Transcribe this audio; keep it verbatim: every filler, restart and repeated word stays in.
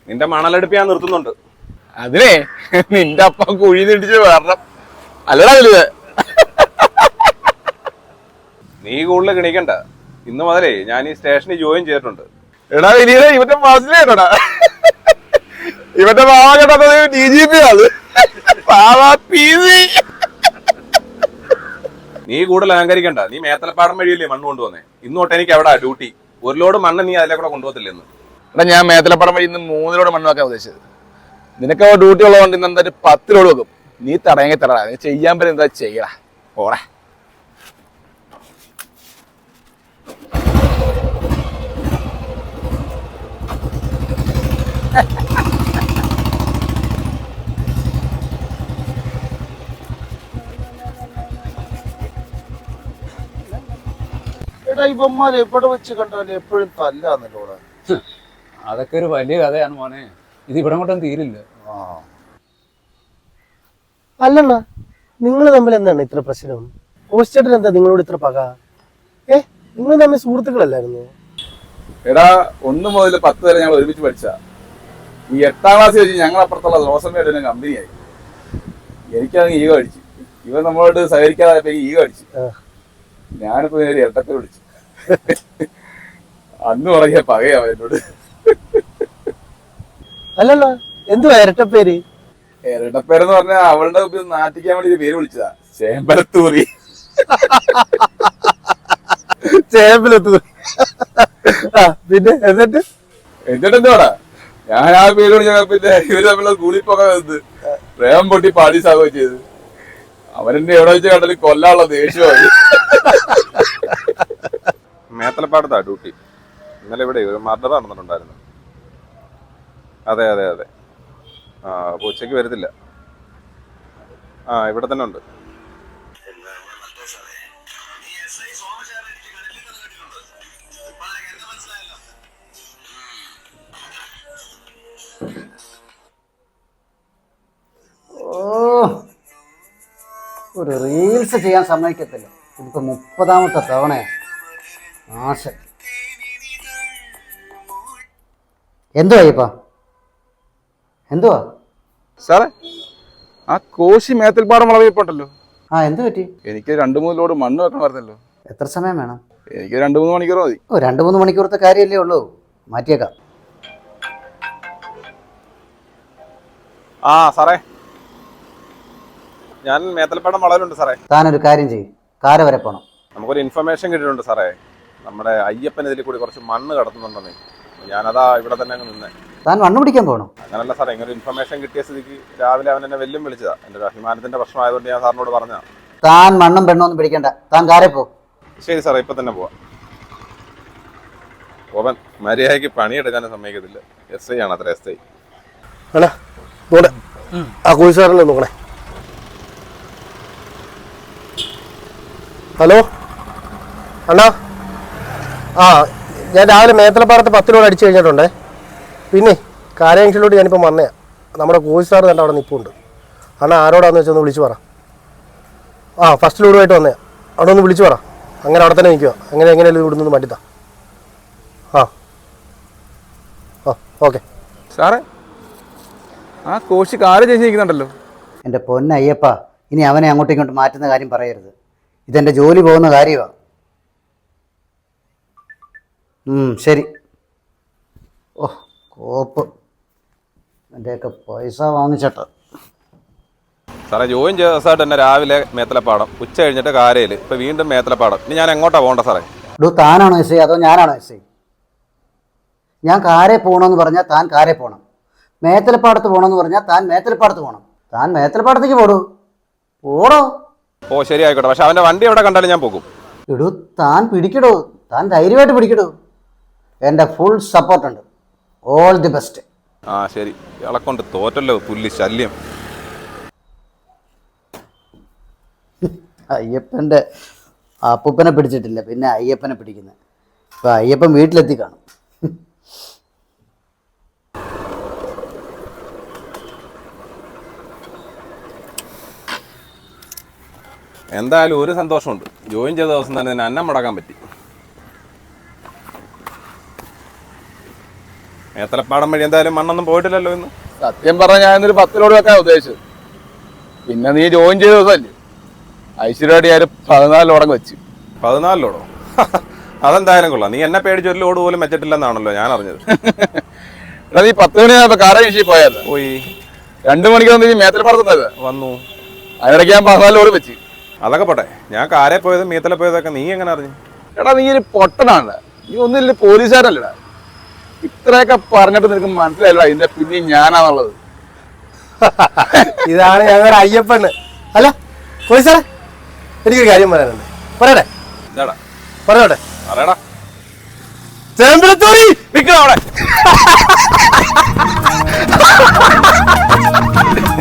നിന്റെ മണലെടുപ്പ് ഞാൻ നിർത്തുന്നുണ്ട്. അതിനെ നിന്റെ അപ്പ കുഴി നിടിച്ച് വരണം. അല്ലടാ വലുത്. നീ കൂടുതൽ കിണിക്കണ്ട. ഇന്ന് മുതലേ ഞാൻ ഈ സ്റ്റേഷനിൽ ജോയിൻ ചെയ്തിട്ടുണ്ട്. എടാ വലിയ ഇവന്റെ മാസിലേടാ. ഇവന്റെ മാവ കേട്ടത് ഡി ജി പി ആണ്. നീ കൂടുതൽ അലങ്കരിക്കണ്ട. നീ മേത്തലപ്പാടം വഴിയല്ലേ മണ്ണ് കൊണ്ടുവന്നേ. ഇന്ന് തൊട്ട് എനിക്ക് എവിടാ ഡ്യൂട്ടി. ഒരു ലോഡ് മണ്ണ് നീ അതിലെ കൂടെ കൊണ്ടുപോകത്തില്ലെന്ന്. എടാ ഞാൻ മേത്തലപ്പാടം വഴി ഇന്ന് മൂന്ന് ലോഡ് മണ്ണ് വെക്കാൻ ഉദ്ദേശിച്ചത്. നിനക്ക് ഡ്യൂട്ടി ഉള്ളതുകൊണ്ട് ഇന്ന് എന്തായാലും പത്ത് ലോഡ് വെക്കും. നീ തടയെങ്കിൽ തടടാ. നീ ചെയ്യാൻ പറ്റും എന്താ ചെയ്യടാ. ഓടാ. എടാ ഇവന്മാർ എവിടെ വെച്ച് കണ്ടാലും എപ്പോഴും തല്ലാന്നല്ലോടാ. അതൊക്കെ ഒരു വലിയ കഥയാണ് മോനെ. ഇത് ഇവിടെ കൊണ്ടൊന്നും തീരില്ല. ആ അല്ലണ്ണ, നിങ്ങൾ തമ്മിൽ എന്താണ് ഇത്ര പ്രശ്നം? കോസ്റ്റേട്ടൻ എന്താ നിങ്ങളോട് ഇത്ര പക? ഏ നിങ്ങൾ തമ്മിൽ സുഹൃത്തുക്കളല്ലായിരുന്നു? എടാ ഒന്ന് മുതൽ പത്ത് വരെ ഞങ്ങൾ ഒരുമിച്ച് പഠിച്ച ഈ എട്ടാം ക്ലാസ് വെച്ച് ഞങ്ങൾ അപ്പുറത്തുള്ള റോസമ്മയുടെ കമ്പനിയായി. എനിക്കത് ഈഗോ അടിച്ചു. ഇവൻ നമ്മളോട് സഹകരിക്കാതെ ഈഗോ അടിച്ചു. ഞാനിപ്പോ നേരെ ഇരട്ടപ്പേര് വിളിച്ചു. അന്ന് പറഞ്ഞ പകയാവ എന്നോട്. അല്ലണ്ണ, എന്തുവാ ഇരട്ടപ്പേര്? ഇരട്ടപ്പേരെന്ന് പറഞ്ഞാൽ അവളുടെ നാട്ടിക്കാൻ വേണ്ടി പേര് വിളിച്ചതാ. ചേമ്പലത്തൂറി. ചേമ്പലത്തൂറി. പിന്നെ എന്നിട്ട് എന്നിട്ട് എന്തുവാടാ ഞാൻ ആ പേര് വിളിച്ച പിന്നെ ഇവര് തമ്മിലുള്ള കൂളിപ്പൊക്കെ വന്നത് പ്രേമം പൊട്ടി പാടി സാഗോ ചെയ്ത്. അവനെന്നെ എവിടെ വെച്ച് കണ്ടാലും കൊല്ലാനുള്ള ദേഷ്യമായി. മേത്തലപ്പാടത്താ ഡ്യൂട്ടി. ഇന്നലെ ഇവിടെ ഒരു മർഡർ നടന്നിട്ടുണ്ടായിരുന്നു. അതെ അതെ അതെ. ആ അപ്പോൾ ഉച്ചയ്ക്ക് വരത്തില്ല. ആ ഇവിടെ തന്നെ ഉണ്ട്. ഓ ഒരു റീൽസ് ചെയ്യാൻ സമ്മതിക്കത്തില്ല. ഇതിപ്പോ മുപ്പതാമത്തെ തവണയാ. ആശ എന്തുവാ ഇപ്പ എന്തുവാ സാറേ ആ കോശി മേത്തൽപ്പാടം വളവിപ്പോട്ടല്ലോ. ആ എന്ത് പറ്റി? എനിക്ക് രണ്ടു മൂന്ന് ലോഡ് മണ്ണ് വെക്കണം പറഞ്ഞല്ലോ. എത്ര സമയം വേണം? എനിക്ക് രണ്ടു മൂന്ന് മണിക്കൂർ മതി. ഓ രണ്ടു മൂന്ന് മണിക്കൂറത്തെ കാര്യമല്ലേ ഉള്ളൂ, മാറ്റിയേക്കാം. ആ സാറേ, ഞാൻ മേത്തലപ്പാടം വളവിലുണ്ട് സാറേ. താനൊരു കാര്യം ചെയ്യും, കാര വരെ പോണം. നമുക്കൊരു ഇൻഫർമേഷൻ കിട്ടിയിട്ടുണ്ട് സാറേ. നമ്മുടെ അയ്യപ്പൻ ഇതിൽ കൂടി കുറച്ച് മണ്ണ് കടത്തുന്നുണ്ടെന്നേ. ഞാനതാ ഇവിടെ തന്നെ അങ്ങ് നിന്നേ. താൻ മണ്ണ് പിടിക്കാൻ പോകണം? അങ്ങനല്ല സാറേ, ഇങ്ങനെ ഇൻഫർമേഷൻ കിട്ടിയ സ്ഥിതിക്ക് രാവിലെ അവൻ എന്നെ വെല്ലും വിളിച്ചതാ. എൻ്റെ ഒരു അഭിമാനത്തിന്റെ പ്രശ്നമായതുകൊണ്ട് ഞാൻ സാറിനോട് പറഞ്ഞതാ. താൻ മണ്ണും പെണ്ണൊന്നും പിടിക്കണ്ട, താൻ കാരെ പോ. ശരി സാറേ, ഇപ്പൊ തന്നെ പോവാം. ഓവൻ മര്യാദയ്ക്ക് പണിയെടുക്കാനും സമ്മതിക്കത്തില്ല. എസ് ഐ ആണ് അത്ര. എസ് ഐ അണ്ണാ നോടെ ആ കോഴി സാറല്ലേ നോക്കണേ. ഹലോ അണ്ണാ, ആ ഞാൻ രാവിലെ മേത്തലപ്പാടത്ത് പത്തിലോട് അടിച്ചു കഴിഞ്ഞിട്ടുണ്ടേ. പിന്നെ കാരയംഗ്ഷനിലോട്ട് ഞാനിപ്പോൾ വന്നയാ. നമ്മുടെ കോഴി സാറ് കണ്ട അവിടെ നിൽപ്പുണ്ട്. അണ്ണാ ആരോടാന്ന് വെച്ചാൽ ഒന്ന് വിളിച്ചു പറ. ആ ഫസ്റ്റ് ലോഡുമായിട്ട് വന്നയാ. അവിടെ ഒന്ന് വിളിച്ചു പറ. അങ്ങനെ അവിടെ തന്നെ നിൽക്കുക. അങ്ങനെ എങ്ങനെയല്ലേ ഇവിടെ നിന്ന് മടിത്താ. ആ ആ ഓക്കെ സാറേ ആ കോശി കാല് ചേച്ചിരിക്കുന്നുണ്ടല്ലോ. എൻ്റെ പൊന്നയ്യപ്പ, ഇനി അവനെ അങ്ങോട്ടും ഇങ്ങോട്ടും മാറ്റുന്ന കാര്യം പറയരുത്. ഇതെൻ്റെ ജോലി പോകുന്ന കാര്യമാണ്. ശരി. ഓ കോപ്പ് എൻ്റെയൊക്കെ പൈസ വാങ്ങിച്ചട്ടോ. സാറേ, ജോയിൻ ചെയ്ത ദിവസമായിട്ട് തന്നെ രാവിലെ മേത്തലപ്പാടം, ഉച്ച കഴിഞ്ഞിട്ട് കാരയിൽ, ഇപ്പൊ വീണ്ടും മേത്തലപ്പാടം. ഇനി ഞാൻ എങ്ങോട്ടാ പോകണ്ട സാറേ? ഡൂ താനാണോ എസ് ഐ അതോ ഞാനാണോ എസ് ഐ? ഞാൻ കാരെ പോകണമെന്ന് പറഞ്ഞാൽ താൻ കാരെ പോകണം. മേത്തലപ്പാടത്ത് പോകണമെന്ന് പറഞ്ഞാൽ താൻ മേത്തലപ്പാടത്ത് പോകണം. താൻ മേത്തലപ്പാടത്തേക്ക് പോടൂ. പോടോ. ഓ ശരി, ആയിക്കോട്ടെ. പക്ഷെ അവന്റെ വണ്ടി എവിടെ കണ്ടാലും ഞാൻ പോകും. ഇടൂ താൻ പിടിക്കടോ. താൻ ധൈര്യമായിട്ട് പിടിക്കടോ. എൻ്റെ ഫുൾ സപ്പോർട്ടുണ്ട്. All the best. ആ ശരി. ഇയാളെ കൊണ്ട് തോറ്റല്ലോ, പുല്ലി ശല്യം. അയ്യപ്പൻ്റെ അപ്പൂപ്പനെ പിടിച്ചിട്ടില്ല, പിന്നെ അയ്യപ്പനെ പിടിക്കുന്നത്. ഇപ്പം അയ്യപ്പൻ വീട്ടിലെത്തി കാണും. എന്തായാലും ഒരു സന്തോഷമുണ്ട്. ജോയിൻ ചെയ്ത ദിവസം തന്നെ തന്നെ അന്നം മുടക്കാൻ പറ്റി. മേത്തലപ്പാടം വഴി എന്തായാലും മണ്ണൊന്നും പോയിട്ടില്ലല്ലോ ഇന്ന്. സത്യം പറഞ്ഞാൽ ഞാൻ ഇന്നൊരു പത്ത് ലോഡ് വെക്കാൻ ഉദ്ദേശിച്ചത്. പിന്നെ നീ ജോയിൻ ചെയ്ത ദിവസമല്ലേ ഐശ്വര്യമായിട്ട് ഞാൻ പതിനാല് ലോഡങ്ങ് വെച്ച്. പതിനാല് ലോഡോ? അതെന്തായാലും കൊള്ളാം. നീ എന്നെ പേടിച്ച് ഒരു ലോഡ് പോലും വെച്ചിട്ടില്ലെന്നാണല്ലോ ഞാൻ അറിഞ്ഞത്. എടാ നീ പത്ത് മണിയാകുമ്പോ കാരകൃഷി പോയത് പോയി. രണ്ടു മണിക്ക് വന്ന് നീ മേത്തലപ്പാടത്തുന്നത് വന്നു. അതിനിടയ്ക്ക് ഞാൻ പതിനാല് ലോഡ് വെച്ച്. അതൊക്കെ പോട്ടെ, ഞാൻ കാരെ പോയതും മീത്തല പോയതൊക്കെ നീ എങ്ങനെ അറിഞ്ഞു? എടാ നീ ഒരു പൊട്ടനാണ്. നീ ഒന്നില്ല പോലീസുകാരല്ലടാ. ഇത്രയൊക്കെ പറഞ്ഞിട്ട് നിനക്ക് മനസ്സിലായില്ല ഇതിന്റെ പിന്നെ ഞാനാന്നുള്ളത്. ഇതാണ് ഞങ്ങളുടെ അയ്യപ്പണ്. അല്ല പോയി സാറേ, എനിക്കൊരു കാര്യം പറയാനുണ്ട്. പറയട്ടെ? ഇതാടാ പറഞ്ഞോട്ടെ. പറയടാ. ചേമ്പലത്തോറി നിൽക്കണം അവിടെ.